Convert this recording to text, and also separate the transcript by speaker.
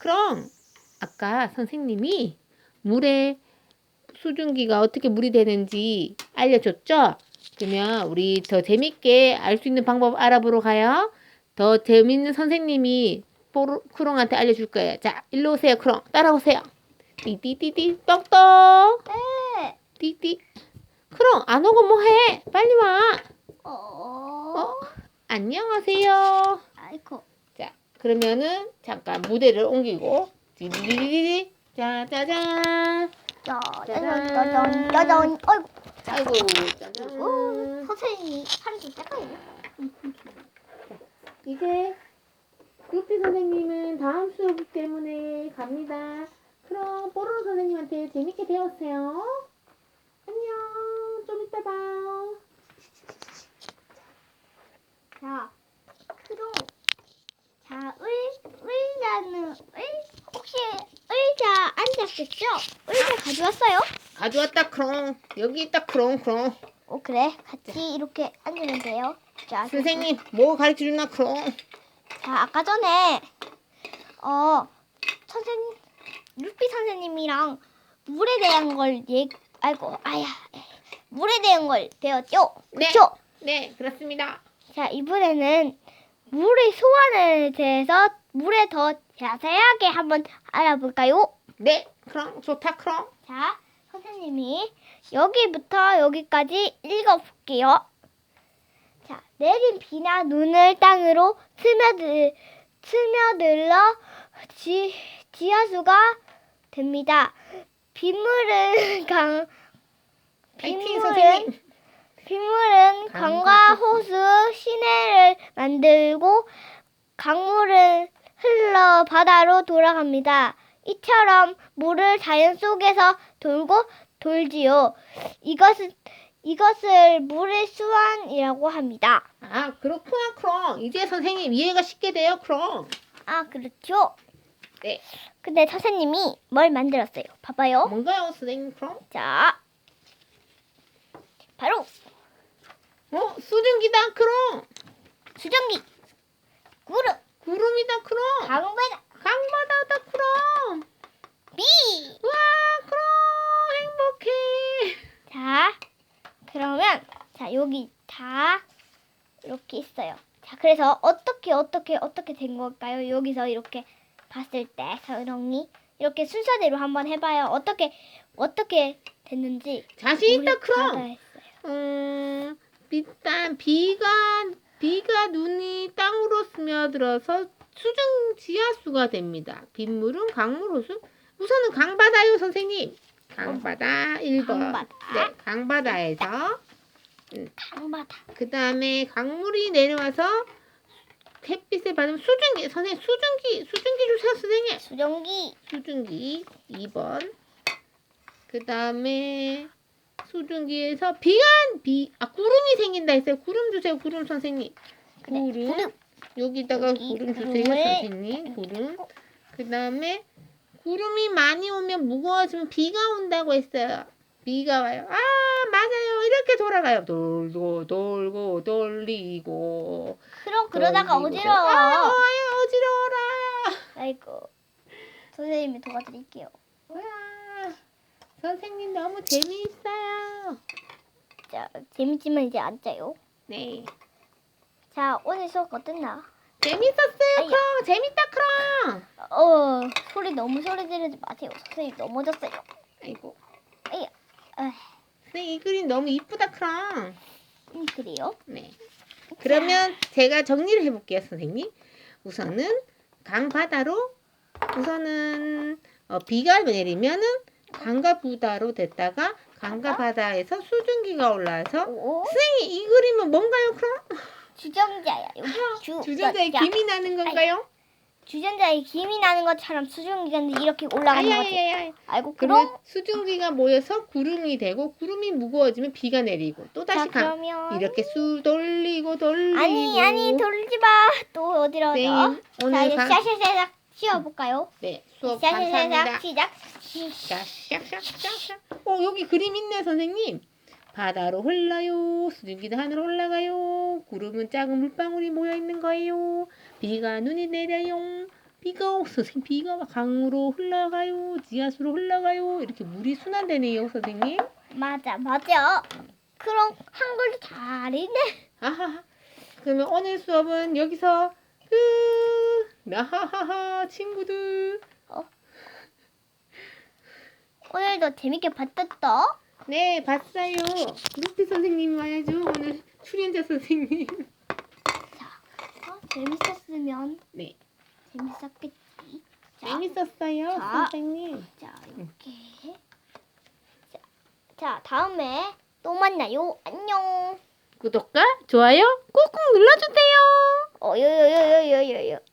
Speaker 1: 그럼 아까 선생님이 물에 수증기가 어떻게 물이 되는지 알려줬죠? 그러면 우리 더 재밌게 알 수 있는 방법 알아보러 가요. 더 재밌는 선생님이 크롱한테 알려줄 거예요. 자, 일로 오세요, 크롱. 따라오세요. 띠띠띠띠 똑똑.
Speaker 2: 네.
Speaker 1: 띠띠. 크롱 안 오고 뭐해? 빨리 와.
Speaker 2: 어?
Speaker 1: 안녕하세요.
Speaker 2: 아이고.
Speaker 1: 자, 그러면은 잠깐 무대를 옮기고 띠디디디디 짜자잔.
Speaker 2: 짜잔. 어이구.
Speaker 1: 아이고 짜잔.
Speaker 2: 선생님이 팔이 좀 작아요.
Speaker 1: 이제 루피 선생님은 다음 수업 때문에 갑니다. 그럼 뽀로로 선생님한테 재밌게 배웠어요. 안녕. 좀 이따 봐요.
Speaker 2: 자, 크롱. 자, 혹시 의자 앉았겠죠? 의자 가져왔어요?
Speaker 1: 가져왔다 크롱. 여기 있다 크롱.
Speaker 2: 그래. 같이 이렇게 앉으면 돼요. 자,
Speaker 1: 선생님 뭐 가르쳐주나 크롱.
Speaker 2: 자, 아까 전에 루피 선생님이랑 물에 대한 걸 물에 대한 걸 배웠죠?
Speaker 1: 네.
Speaker 2: 그렇죠?
Speaker 1: 네, 그렇습니다.
Speaker 2: 자, 이번에는 물의 소환에 대해서 물에 더 자세하게 한번 알아볼까요?
Speaker 1: 네, 크롱 좋다 크롱.
Speaker 2: 자, 선생님이 여기부터 여기까지 읽어볼게요. 자, 내린 비나 눈을 땅으로 스며들러 지하수가 됩니다. 빗물은
Speaker 1: 파이팅 선생님.
Speaker 2: 강과 호수, 시내를 만들고 강물은 흘러 바다로 돌아갑니다. 이처럼 물을 자연 속에서 돌지요. 이것을 물의 수완이라고 합니다.
Speaker 1: 아, 그렇구나 크롱. 이제 선생님 이해가 쉽게 돼요 크롱.
Speaker 2: 아, 그렇죠.
Speaker 1: 네.
Speaker 2: 근데 선생님이 뭘 만들었어요? 봐봐요.
Speaker 1: 뭔가요 선생님 크롱?
Speaker 2: 자, 바로
Speaker 1: 수증기다 크롱.
Speaker 2: 수증기,
Speaker 1: 구름이다 크롱. 강바다다 크롱.
Speaker 2: 비.
Speaker 1: 와 크롱 행복해.
Speaker 2: 자, 그러면 여기 다 이렇게 있어요. 자, 그래서 어떻게 된 걸까요? 여기서 이렇게 봤을 때 서롱이 이렇게 순서대로 한번 해봐요. 어떻게 됐는지.
Speaker 1: 자신 있다
Speaker 2: 우리
Speaker 1: 크롱.
Speaker 2: 했어요.
Speaker 1: 비가 눈이 땅으로 스며들어서 지하수가 됩니다. 빗물은 강물 호수. 우선은 강바다요 선생님. 강바다 1번.
Speaker 2: 강바다.
Speaker 1: 네, 강바다에서
Speaker 2: 강바다.
Speaker 1: 그 다음에 강물이 내려와서 햇빛에 받으면 수증기. 선생님 수증기 주세요 선생님. 수증기 2번. 그 다음에 수증기에서 구름이 생긴다 했어요. 구름 주세요. 구름 선생님. 구름. 여기다가
Speaker 2: 여기
Speaker 1: 구름 주세요
Speaker 2: 구름을
Speaker 1: 선생님. 구름. 그 다음에 구름이 많이 오면 무거워지면 비가 온다고 했어요. 비가 와요. 아 맞아요. 이렇게 돌아가요. 돌고 돌리고.
Speaker 2: 그럼 그러다가
Speaker 1: 돌리고,
Speaker 2: 어지러워.
Speaker 1: 어지러워라.
Speaker 2: 아이고. 선생님이 도와드릴게요.
Speaker 1: 와, 선생님 너무 재미있어요.
Speaker 2: 자, 재밌지만 이제 앉아요.
Speaker 1: 네.
Speaker 2: 자, 오늘 수업 어땠나?
Speaker 1: 재밌었어요,
Speaker 2: 아야.
Speaker 1: 크롱. 재밌다, 크롱.
Speaker 2: 너무 소리 지르지 마세요. 선생님 넘어졌어요.
Speaker 1: 아이고.
Speaker 2: 아야.
Speaker 1: 선생님, 이 그림 너무 이쁘다, 크롱.
Speaker 2: 그래요?
Speaker 1: 네. 그러면 제가 정리를 해볼게요, 선생님. 우선은 강바다로, 비가 내리면은 강과 부다로 됐다가 강과 바다에서 수증기가 올라와서 선생님, 이 그림은 뭔가요, 크롱?
Speaker 2: 주전자야. 여기
Speaker 1: 주전자에 김이 나는 건가요?
Speaker 2: 주전자에 김이 나는 것처럼 수증기가 이렇게 올라가는 거지. 아이고,
Speaker 1: 그럼 수증기가 모여서 구름이 되고 구름이 무거워지면 비가 내리고 또 다시
Speaker 2: 그러면
Speaker 1: 이렇게 돌리고
Speaker 2: 아니 돌리지 마. 또 어디로
Speaker 1: 네,
Speaker 2: 자,
Speaker 1: 오늘
Speaker 2: 이제 시작 쉬어볼까요?
Speaker 1: 네, 수업 감사합니다.
Speaker 2: 시작.
Speaker 1: 샥샥샥샥. 여기 그림 있네, 선생님. 바다로 흘러요. 수증기도 하늘로 올라가요. 구름은 작은 물방울이 모여 있는 거예요. 비가 눈이 내려요. 선생님 비가 강으로 흘러가요. 지하수로 흘러가요. 이렇게 물이 순환되네요, 선생님.
Speaker 2: 맞아. 그럼 한글도 잘이네.
Speaker 1: 아하하. 그러면 오늘 수업은 여기서 끝. 아하하하, 친구들.
Speaker 2: 오늘도 재밌게 봤었어.
Speaker 1: 네, 봤어요. 루피 선생님 와야죠. 오늘 출연자 선생님.
Speaker 2: 재밌었으면
Speaker 1: 네,
Speaker 2: 재밌었겠지. 자,
Speaker 1: 재밌었어요,
Speaker 2: 자.
Speaker 1: 선생님.
Speaker 2: 자 이렇게. 자 다음에 또 만나요. 안녕.
Speaker 1: 구독과 좋아요 꾹꾹 눌러주세요.
Speaker 2: 요요요요요요.